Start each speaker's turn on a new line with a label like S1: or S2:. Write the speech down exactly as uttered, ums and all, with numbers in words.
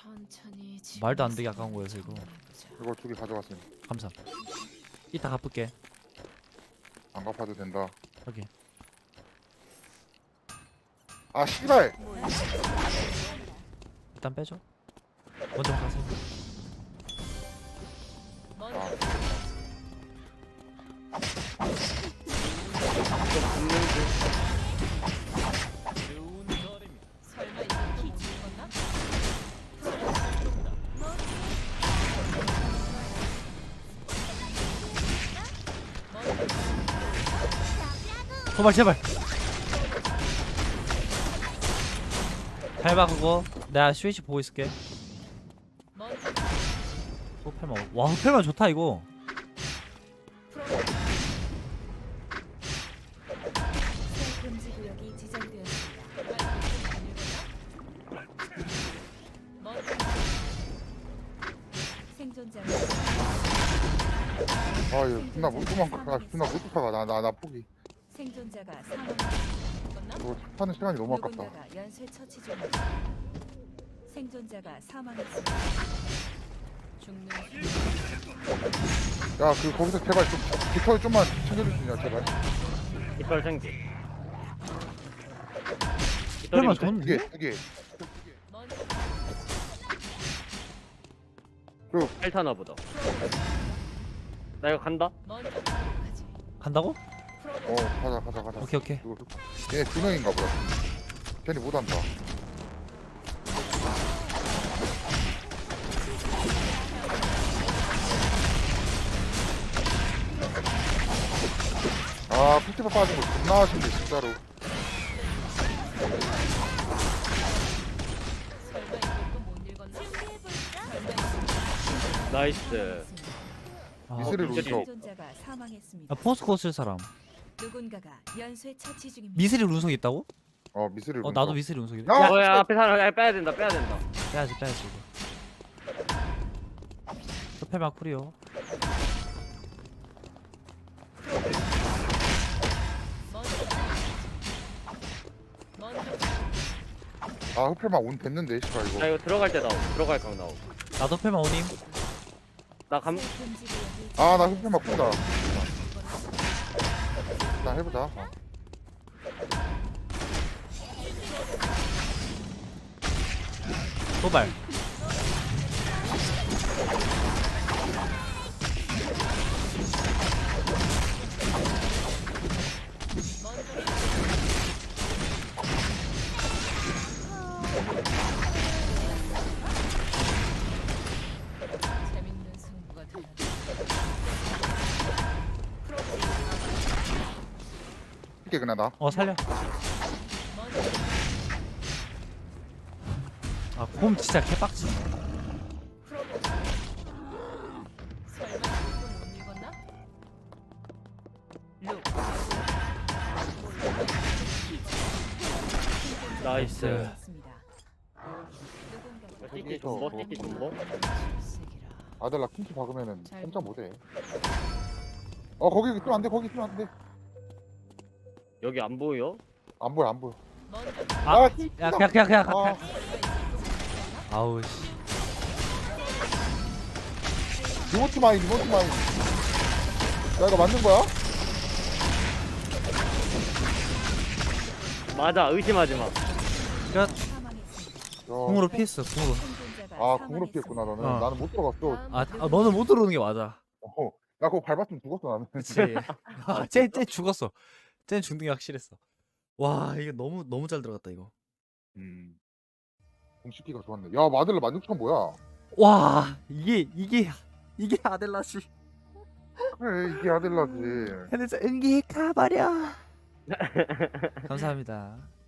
S1: 천천히
S2: 말도 안 되게 아까운 거여서 이거.
S3: 이거 두 개 가져갔어요.
S2: 감사. 이따 갚을게.
S3: 안 갚아도 된다.
S2: 여기.
S3: 아 씨발.
S2: 일단 빼줘. 먼저 가세요.
S3: 아,
S1: 설마 이거 키 찍었나?
S2: 도발 제발. 밟아 그거. 내가 스위치 보고 있을게. 호펠만. 와 호펠만 좋다 이거.
S1: 새 금지 구역이 지정되었습니다. 생존자
S3: 아 이거 존나 못 도망가. 아, 존나 못 쫓아가. 나나 나 포기.
S1: 생존자가 사망했나?
S3: 이거 하는 시간이 너무 아깝다.
S1: 누군가가 연쇄 처치 중입니다. 생존자가 사망했습니다. 죽는
S3: 야 그 거기서 제발 좀 깃털 좀만 챙겨줄 수 있냐 제발.
S4: 깃털 생기.
S2: 호펠만
S4: 깃털이면
S3: 두
S2: 좋은데?
S3: 개, 두 개.
S1: 먼저
S4: 헬타나 보다. 나 이거 간다.
S1: 먼저 가지.
S2: 간다고?
S3: 어 가자 가자 가자.
S2: 오케이 오케이.
S3: 얘 두 명인가 보다. 괜히 못한다. 아 피티바 빠진 거 존나 아쉽네 진짜로.
S1: 설마 이것도 못 읽었나? 설마
S4: 나이스.
S2: 아,
S3: 미스를
S4: 어,
S3: 울려.
S1: 생존자가 사망했습니다.
S2: 아 포스코 쓸 사람.
S1: 누군가가 연쇄 처치 중입니다.
S2: 미스릴 운석 있다고?
S3: 어 미스를.
S2: 어 나도 미스릴 운석 있.
S3: 야!
S2: 야
S4: 어, 야, 앞에 사람 야, 빼야 된다, 빼야 된다.
S2: 빼야지 빼야지 이거. 호펠만 쿨이요.
S1: 먼저 먼저
S3: 아 흡혈만 온 됐는데 씨발
S4: 나
S3: 이거.
S4: 이거 들어갈 때 나오. 들어갈 각 나오.
S2: 나도 호펠만 오님.
S4: 나 감.
S1: 새 금지 구역이
S3: 아 나 흡혈만 푼다. 나 해보자. 어.
S2: 도발.
S1: 재밌는 승부가 되는
S3: 이게 그냥 나.
S2: 어 살려.
S1: 먼저
S2: 아곰 진짜 개빡치.
S1: 풀어보자. 설마 이것도 못 읽었나? 룩.
S4: 나이스.
S1: 있습니다. 누군가가
S4: 띠끼 존버, 띠끼 존버.
S1: 출색이라.
S3: 아들 나 킹키 박으면은
S1: 잘
S3: 혼자 못해. 어 거기 있으면 안 돼. 거기 있으면 안 돼.
S4: 여기 안 보여?
S3: 안 보여 안 보여.
S1: 먼저
S2: 아,
S3: 킹키다.
S2: 야 그냥 그냥 그냥 가.
S3: 아,
S2: 아우 씨.
S3: 리모트 마인 리모트 마인. 야 이거 맞는 거야?
S4: 맞아, 의심하지 마.
S2: 끝.
S1: 사망했습니다.
S2: 궁으로 피했어 궁으로.
S1: 생존자가
S3: 아 궁으로
S1: 사망했습니다.
S3: 피했구나 너는.
S2: 어.
S3: 나는 못 들어갔어.
S2: 아, 아 너는 못 들어오는 게 맞아.
S3: 어, 나 그거 밟았으면 죽었어 나는.
S2: 그치. 아, 쟤, 쟤 죽었어. 쟤 죽는 게 확실했어. 와 이거 너무 너무 잘 들어갔다 이거.
S3: 음. 공식기가 좋았네. 야 마들라 만육천 뭐야?
S2: 와 이게 이게 이게 아델라시.
S3: 그래 이게 아델라지.
S2: 해내자 은기 가버려. 감사합니다.